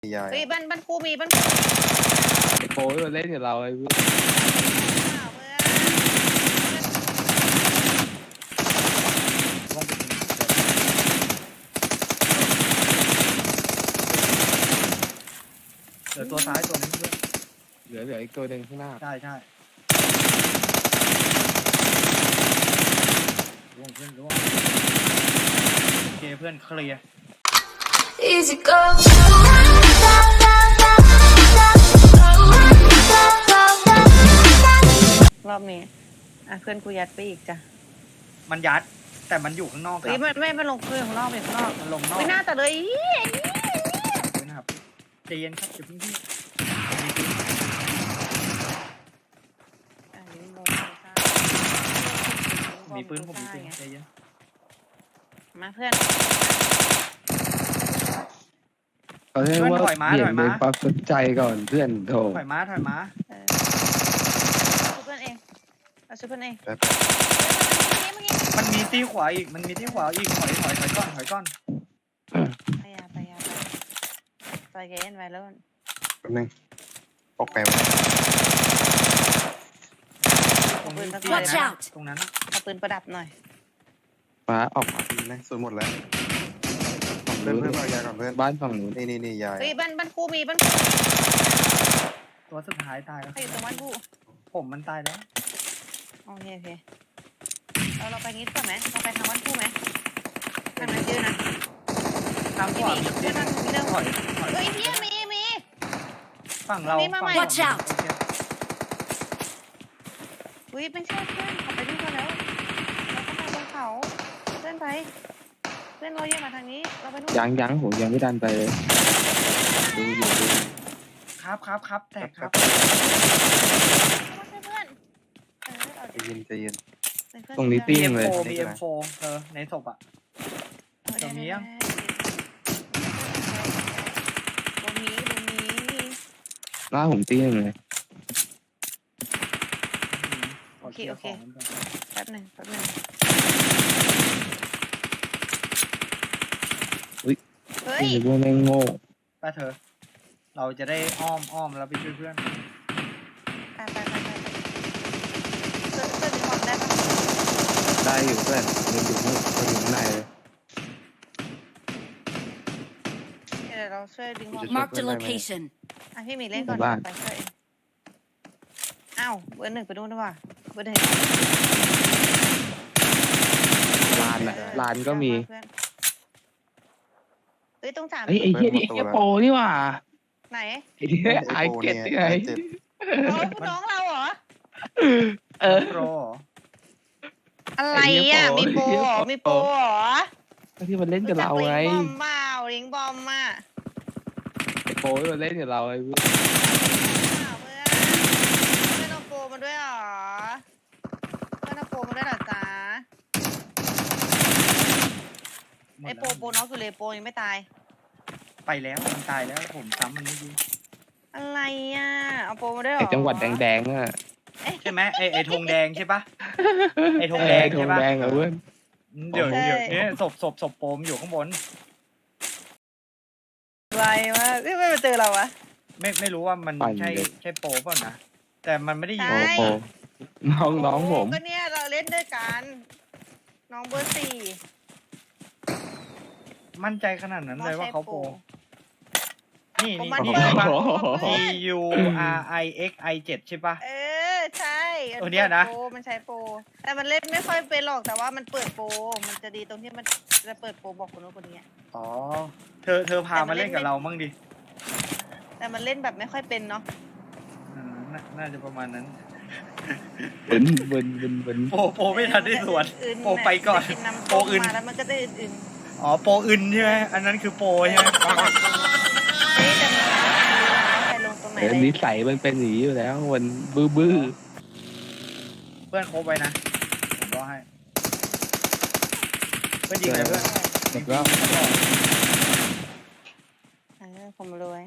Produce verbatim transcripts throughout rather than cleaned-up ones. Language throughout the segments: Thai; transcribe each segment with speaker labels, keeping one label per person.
Speaker 1: ยาย
Speaker 2: เฮ้ยบ้านบ้านกูมีบ้าน
Speaker 3: โอ้ยมาเล่นกับเราไอ้เพื่อน
Speaker 2: ข่าวเพื่อน
Speaker 4: เหลือตัวซ้ายตัวนึงด้วย
Speaker 3: เหลือเหลืออีกตัวหนึ่งข้างหน้า
Speaker 4: ใช่ใช่ร่วงเพื่อนร่วงโอเคเพื่อนเคลียร์
Speaker 5: Easy go.
Speaker 2: รอบนี้อ่ะเพื่อนกูยัดไปอีกจ้ะ
Speaker 4: มันยัดแต่มันอยู่ข้างนอกค
Speaker 2: เฮ้
Speaker 4: รั
Speaker 2: ย
Speaker 4: บ
Speaker 2: ไม่ไม่ไม่ลงเพื่อนของรอบเป็นข้างนอก
Speaker 4: มันลงนอก
Speaker 2: ไม่น่าแต่เลยอี
Speaker 4: ด้วยนะครับใจเย็นครับอย่าเพิ่งที่
Speaker 2: อ่ะลิงโม
Speaker 4: มีปืนผมมีปืนใจเย็น
Speaker 2: มาเพื่อน
Speaker 3: เขาเรียกว่าเปลี่ยนเป็นความสนใจก่อนเพื่อนโถ
Speaker 4: ถอยม้าถอยม้า
Speaker 2: เออช่วยเพื่อนเองเอาช่วยเพื่อนเอง
Speaker 1: แป๊บ
Speaker 2: เมื่อกี้
Speaker 4: มันมีที่ขวาอีกมันมีที่ขวาอีกถอยถอยถอยก้อนถอยก้อน
Speaker 2: ไปยาไปยาไปไปเกนไว้แล้ว
Speaker 1: แป๊บนึงปอกแปม
Speaker 4: ตรงนี้
Speaker 5: Watch out
Speaker 4: ตรงนั้น
Speaker 2: เอาปืนประดับหน่อย
Speaker 3: ฟ้าออก
Speaker 1: นะส่วนหมดแล้ว
Speaker 3: ฝั่ง
Speaker 1: เพื่อน
Speaker 3: นู้น
Speaker 1: เพื่อนเอายาก่อนเพื่อน
Speaker 3: บ้านฝั่งนู้น
Speaker 1: นี่นี่นี่ยาย
Speaker 2: เฮ้ยบ้านบ้านกูมีบ้าน
Speaker 4: ตัวสุดท้ายตายแล้ว
Speaker 2: ใครอยู่ตรงบ้านกู
Speaker 4: ผมมันตายแล้ว
Speaker 2: โอเคโอเคเราเราไปงี้ก่อนไหมเราไปทางบ้านกูไหมทางนั้นเยอะนะ
Speaker 4: ทางข
Speaker 2: ไม่
Speaker 4: วา
Speaker 2: มี
Speaker 4: มี
Speaker 2: เพื่อนทางนี้เร็ว
Speaker 4: ถอยถอย
Speaker 2: เฮ้ยเฮียมีมี
Speaker 4: ฝั่งเรา
Speaker 2: มีมาใหม่
Speaker 4: ฝั่ง
Speaker 5: Watch out
Speaker 4: โอเค
Speaker 2: อุ้ยไม่ใช่เพื่อนเขาไปด้วยกันแล้วเราต้องไปบนเขาเพื่อนไปเพื่อนเราเยอะมาทางนี้เราไปนู่น
Speaker 3: ยังยังผมยังไม่ดันไปเลยดูอยู่ดู
Speaker 4: ครับครับครับแตกครับ
Speaker 2: เพื่อนเออเอา
Speaker 1: ใจเย็นใจเย็น
Speaker 3: ตรงนี้ตี้
Speaker 4: มี
Speaker 3: งเลย
Speaker 4: เอ็มโฟมีเอ็มโฟเออในศพอ่ะ ตรงนี้ยัง
Speaker 2: ตรงนี้ตรงนี้
Speaker 3: หน้าผมตี้งเลย
Speaker 2: โอเคโอเคแป๊บหนึ่งแป๊บหนึ่งเฮ้ย
Speaker 3: นี่พวกแม่งโง่
Speaker 4: ป้าเธอ เราจะได้อ้อมอ้อมแล้วไปช่วยเพื่อน
Speaker 2: ไปไปไปไปเพื่อนเพื่อนมีความได้ปะ
Speaker 3: ได้อยู่เพื่อนยังอยู่นู่นก็อยู่ข้างในเลย
Speaker 2: เดี๋ยวเราช่วยดึงความ
Speaker 5: Marked a location.
Speaker 2: อ่ะพี่มีเล่นก่อนไปช่วยเองอ้าวเบอร์หนึ่งไปดูด้วยว่ะเบอร์หนึ่ง
Speaker 3: ลานอะลานก็มี
Speaker 2: เฮ้ยต้องสาม
Speaker 3: เฮ้ยไอ้เหี้ยนี่ไอ้เหี้ยโปนี่หว่า
Speaker 2: ไหน
Speaker 3: ไอ้เหี้ยไอเก็ตนี่ไง
Speaker 1: เจ็ด
Speaker 2: น้องน้องเราเหรอ
Speaker 3: เออ
Speaker 4: โปร
Speaker 2: อะไรอ่ะมีโปรเหรอมีโปรเหรอ
Speaker 3: ที่มันเล่นกับเราไง
Speaker 2: ลิงบอมมาลิงบอมมา
Speaker 3: ไอ้โปที่มันเล่นกับเราไอ้เพื่อน
Speaker 2: อ้าวเพื่อนเพื่อนเอาโปรมาด้วยเหรอเพื่อนเอาโปรมาด้วยเหรอจ๊ะไอโปรโปรน้องอยู่เลยโปรยังไม่ตาย
Speaker 4: ไปแล้วมันตายแล้วผมซ้ำมันไม่ดี
Speaker 2: อะไรอ่ะเอาโปรมาด้วยเหร
Speaker 3: ไอ้
Speaker 2: อ
Speaker 3: จังหวัดแดงๆอ่ะ
Speaker 4: ใช่ไหมไอไอธงแดงใช่ปะไอธงแดง
Speaker 3: ไอ้ธ
Speaker 4: ใช่
Speaker 3: ง
Speaker 4: ปะ
Speaker 3: แดงอ่ะเพื่อน
Speaker 4: เดี๋ยวเดี๋ยวนี้ศพศพศพโปมอยู่ข้างบน
Speaker 2: ไวมากไม่ไม่มาเจอเราอะ
Speaker 4: ไม่ไม่รู้ว่ามันใช่ใช่โปเปล่านะแต่มันไม่ได้ยิง
Speaker 3: โปโปน้องน้องผม
Speaker 2: ก็เนี่ยเราเล่นด้วยกันน้องเบอร์สี่
Speaker 4: มั่นใจขนาดนั้นเลยว่าเขาโปนี่
Speaker 2: ผม
Speaker 4: นี่
Speaker 2: มัน
Speaker 4: นี่
Speaker 2: เปิด
Speaker 4: ใช่ปะ
Speaker 2: เพื่อน
Speaker 4: T U R I X I เจ็ดใช่ปะ
Speaker 2: เออใช่
Speaker 4: ตัวเนี้ยนะ
Speaker 2: โปรมันใช้โปรแต่มันเล่นไม่ค่อยเป็นหรอกแต่ว่ามันเปิดโปรมันจะดีตรงที่มันจะเปิดโปรบอกคนนู้นคนนี้อะ
Speaker 4: อ๋อเธอเธอพามาเล่นกับเรามั่งดิ
Speaker 2: แต่มันเล่นแบบไม่ค่อยเป็นเนาะ
Speaker 4: อืมน่าน่าจะประมาณนั้น
Speaker 3: เบินเบินเบินเบิน
Speaker 4: โปโปไม่ทันได้สวน
Speaker 2: อื่นๆ
Speaker 4: โปไปก่อน
Speaker 2: จะน้ำ
Speaker 4: โปอื่น
Speaker 2: มาแล้วมันก็ได้อื่น
Speaker 4: อ๋อโปอื่นใช่ไหมอันนั้นคือโปใช่ไหม
Speaker 2: ๆเฮ้ยแต่มันใครลงตรงไหน
Speaker 3: เออ
Speaker 2: เลย
Speaker 3: นิสัยมันเป็นอย่างนี้อยู่แล้วมันบื้อบื้อ
Speaker 4: เพื่อนครบไว้นะผมรอให้เพื่อนยิงเลยเพื่อน
Speaker 3: แล้วก็
Speaker 2: เออผมรวย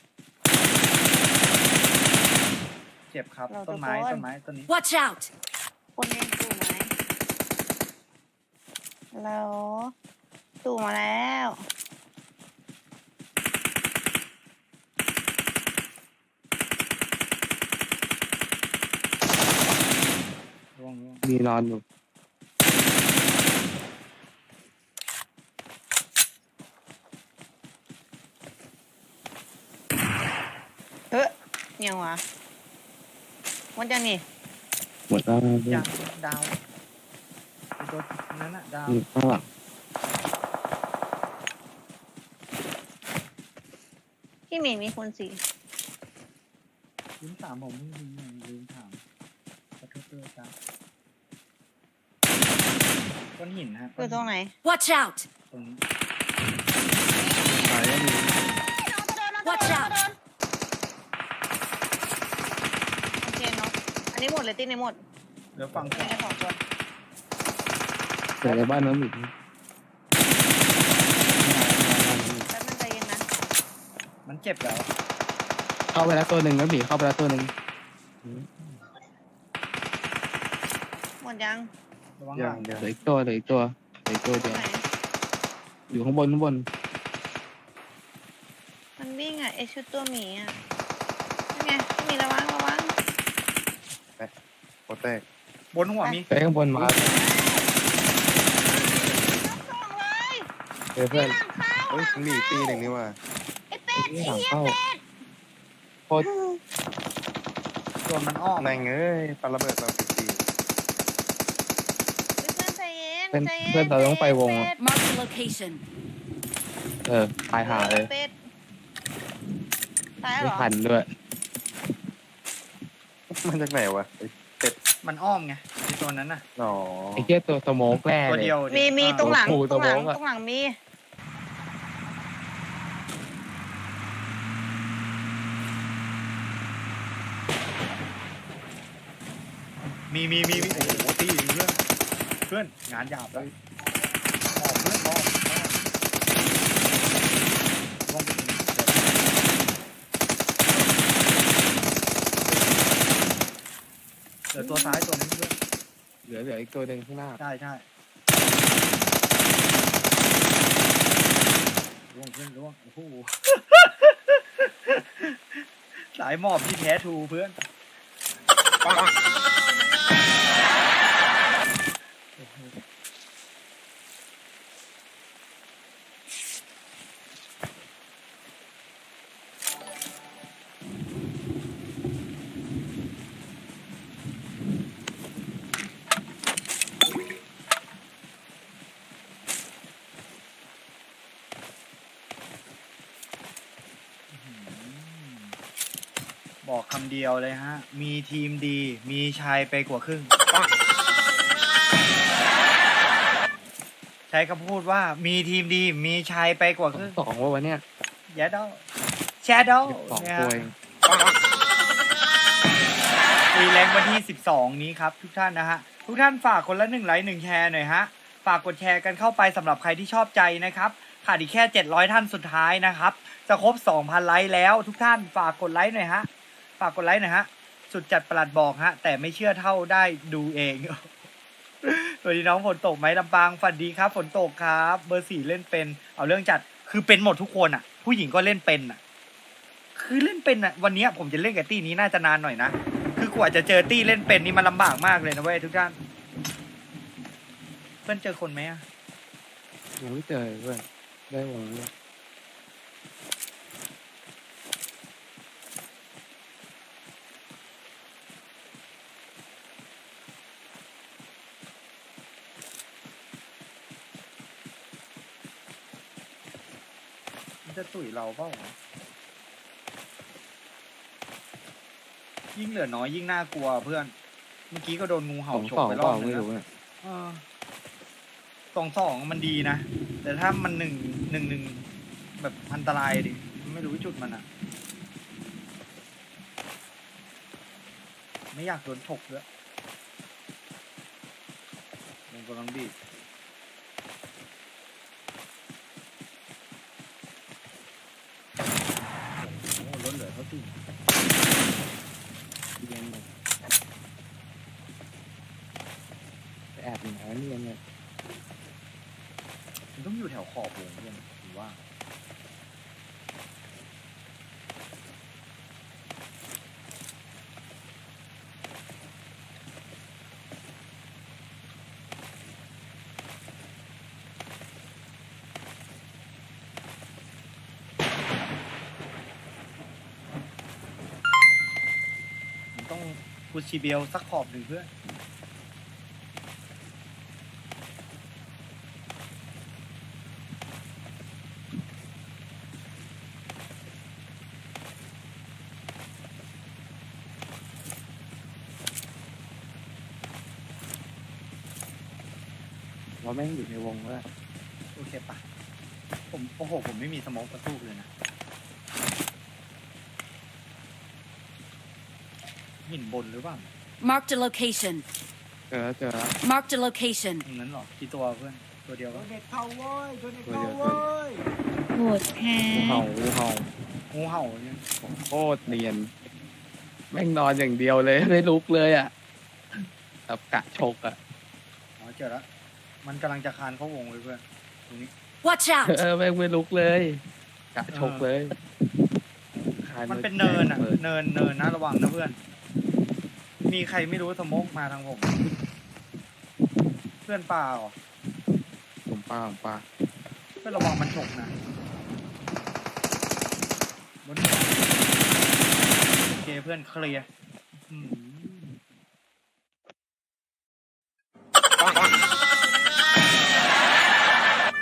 Speaker 4: เจ็บครับ
Speaker 2: เรา
Speaker 4: ต้นไม้
Speaker 2: ทุกคน
Speaker 4: ต้นไม้ต้นนี้
Speaker 5: Watch out!
Speaker 2: คนเล่นตู่ไหมแล้วตู่มาแล้ว
Speaker 3: มีนอนอยู่
Speaker 2: เฮ้ยเงียววะหมดยังนี่
Speaker 3: หมดแล้วเพื่อ
Speaker 4: ยั
Speaker 3: น
Speaker 4: งดาวไอ้ตัวนั้นอะดาว
Speaker 3: อยู่ข้างหลัง
Speaker 2: พี่หมีมีคนสี่
Speaker 4: ลืมถามผมลืมลืมถามขอโทษด้วยครับก้อนหินฮะ
Speaker 2: อยู่ตรงไหน
Speaker 5: Watch out!
Speaker 4: ตรงนี้
Speaker 1: ตายแล้วมี
Speaker 5: Watch out!
Speaker 2: โอเคเนาะอันนี้หมดเลยตีในหมด
Speaker 4: เดี๋ยวฟัง
Speaker 2: มีแค่สองตัว
Speaker 3: เกิดในบ้านน้องอีก
Speaker 2: แป๊บนึงใจเย็นนะ
Speaker 4: มันเจ็บแล้ว
Speaker 3: เข้าไปแล้วตัวหนึ่งแล้วบีเข้าไปแล้วตัวหนึ่ง
Speaker 2: หมดยัง
Speaker 4: ระวังห
Speaker 1: ยั
Speaker 4: ลั
Speaker 1: ง
Speaker 4: ง
Speaker 1: ยัง
Speaker 3: เหลืออีกตัวเหลืออีกตัวเหลืออีกตัว
Speaker 2: ตร
Speaker 3: เดี
Speaker 2: ง
Speaker 3: ยว
Speaker 2: ไหน
Speaker 3: อยู่ข้างบนข้างบน
Speaker 2: มันวิ่งอ่ะไอชุดตัวหมีอ่ะนี่ไงพี่หมีระวังระวัง
Speaker 1: โคตรแตก
Speaker 4: บนหัวมี
Speaker 3: ไปข้างบนมา
Speaker 2: สองเลย
Speaker 3: เจอเพื่อน
Speaker 2: หลังเข้า
Speaker 1: เฮ้ยมันมีอีกตีหนึ่งนี่ว่า
Speaker 2: ไอเป็ด
Speaker 3: ที่หลังเข้าโคตร
Speaker 4: โดนมันอ้อม
Speaker 1: แม่งเอ้ยปาระเบิดเราสิบสี่
Speaker 2: เฮ้ยเพื่อนใจเย็น
Speaker 3: เพื่อน
Speaker 2: ใจย็
Speaker 3: เพื่อนเราต้องไปวง
Speaker 2: เป็ด
Speaker 5: Mark the location.
Speaker 3: เออตายหาเลย
Speaker 2: เป็ดตายแล้ว
Speaker 3: ไม่
Speaker 2: เหรอ
Speaker 3: ทันด้วย
Speaker 1: มันจากไหนวะไอ้
Speaker 4: มันอ้อมไงไอ้ตัวนั้นน่ะ
Speaker 1: หนอ
Speaker 3: ไอ้เหี้ยตัวสโมกแร่
Speaker 4: ตัว
Speaker 3: เลย
Speaker 4: เดียว
Speaker 2: มีมีตรงหลัง
Speaker 3: โอ้โห
Speaker 2: ตรงหลัง
Speaker 3: ตัวโบ๊ะอะ
Speaker 2: ตรงหลังมี
Speaker 4: มีมีมีมีโอ้โหตีเพื่อนเพื่อนงานหยาบเลยมองเพื่อนมองมองเดี๋ยวตัวซ้ายตัวนี้เพื่อน
Speaker 3: เหลือเหลืออีกตัวหนึ่งข้างหน้า
Speaker 4: ใช่ใช่ล่วงเพื่อนล่วงโอ้โห สายหมอบที่แท้ทูเพื่อนบอกคำเดียวเลยฮะ มีทีมดี มีชายไปกว่าครึ่ง ใช้คำพูดว่ามีทีมดี มีชายไปกว่าครึ่ง
Speaker 3: สองว่าวันเนี้ย
Speaker 4: แยดดอแชดดอ
Speaker 3: สอง
Speaker 4: เนี่ย
Speaker 3: ตัวเอง
Speaker 4: ฟรีแรงวันที่สิบสองนี้ครับ ทุกท่านนะฮะ ทุกท่านฝากคนละหนึ่งไลค์หนึ่งแชร์หน่อยฮะ ฝากกดแชร์กันเข้าไปสำหรับใครที่ชอบใจนะครับขาดอีกแค่เจ็ดร้อยท่านสุดท้ายนะครับ จะครบ สองพัน ไลค์แล้ว ทุกท่านฝากกดไลค์หน่อยฮะ ฝากกดไลค์หน่อยฮะ สุดจัดประหลัดบอกฮะ แต่ไม่เชื่อเท่าได้ดูเอง สวัสดีน้องฝนตกไหมลำปางฝันดีครับฝนตกครับ เบอร์สี่เล่นเป็นเอาเรื่องจัดคือเป็นหมดทุกคนอ่ะ ผู้หญิงก็เล่นเป็นอ่ะ คือเล่นเป็นอ่ะ วันนี้ผมจะเล่นกับตี้นี้น่าจะนานหน่อยนะคือกว่าจะเจอตี้เล่นเป็นนี่มันลำบากมากเลยนะเว้ยทุกท่านเพื่อนเจอคนไหมอ่ะ
Speaker 3: ยังไม่เจอเพื่อนได้วงแล้ว
Speaker 4: มันจะตุ๋ยเราเปล่ายิ่งเหลือน้อยยิ่งน่ากลัวเพื่อน เมื่อกี้ก็โดนงู
Speaker 3: ส
Speaker 4: เห่า
Speaker 3: อง
Speaker 4: ฉ
Speaker 3: ส
Speaker 4: ก
Speaker 3: อง
Speaker 4: ไปร
Speaker 3: เป
Speaker 4: อ
Speaker 3: ล่า
Speaker 4: บนึ
Speaker 3: ไม่
Speaker 4: ง
Speaker 3: รู้
Speaker 4: นะ
Speaker 3: เนี่ย
Speaker 4: เออสองสองมันดีนะ แต่ถ้ามันหนึ่งหนึ่งหนึ่งแบบอันตรายดิไม่รู้จุดมันอ่ะ ไม่อยากโดนฉกด้วยมันกำลังบีบโอ้โหลดเหลือเท่าที่
Speaker 3: เรียนแบบไปแอบอยู่ไหนวะเรียนเนี่ย
Speaker 4: มันต้องอยู่แถวขอบวงด้วยหรือว่ากูชีเบลสักขอบหนึ่งเพื่อน
Speaker 3: ว่าแม่งอยู่ในวงแล้ว
Speaker 4: โอเคปะผมโอ้โหผมไม่มีสโมองกระตุกเลยนะหินบนหรือเปล่า
Speaker 5: Marked a location.
Speaker 3: เจอแล้วเจอแล้ว
Speaker 5: Marked a location.
Speaker 4: ตรงนั้นเหรอกี่ตัวเพื่อนตัวเดียวปะ
Speaker 3: ตัวเดียวตัวเดียว
Speaker 2: โหดแฮ
Speaker 3: งูเห่างูเห่า
Speaker 4: งูเห่าเนี่ย
Speaker 3: โคตรเนียนแม่งนอนอย่างเดียวเลยไม่ลุกเลยอ่ะแบบกะชกอ่ะ
Speaker 4: อ๋อเจอแล้วมันกำลังจะคานเข้าวงเลยเพื่อนตรงนี้
Speaker 5: Watch out!
Speaker 3: เออแม่งไม่ลุกเลยกะชกเลยคาย
Speaker 4: มันเป็นเนินอ่ะ
Speaker 3: ปิด
Speaker 4: เนินเนินนะระวังนะเพื่อน มีใครไม่รู้สโมกมาทางผม เพื่อนปลาเหรอ
Speaker 3: ผมป้าผมป้า
Speaker 4: เพื่อนระวังมันฉกนะบนโอเคเพื่อนเคลียร์อืม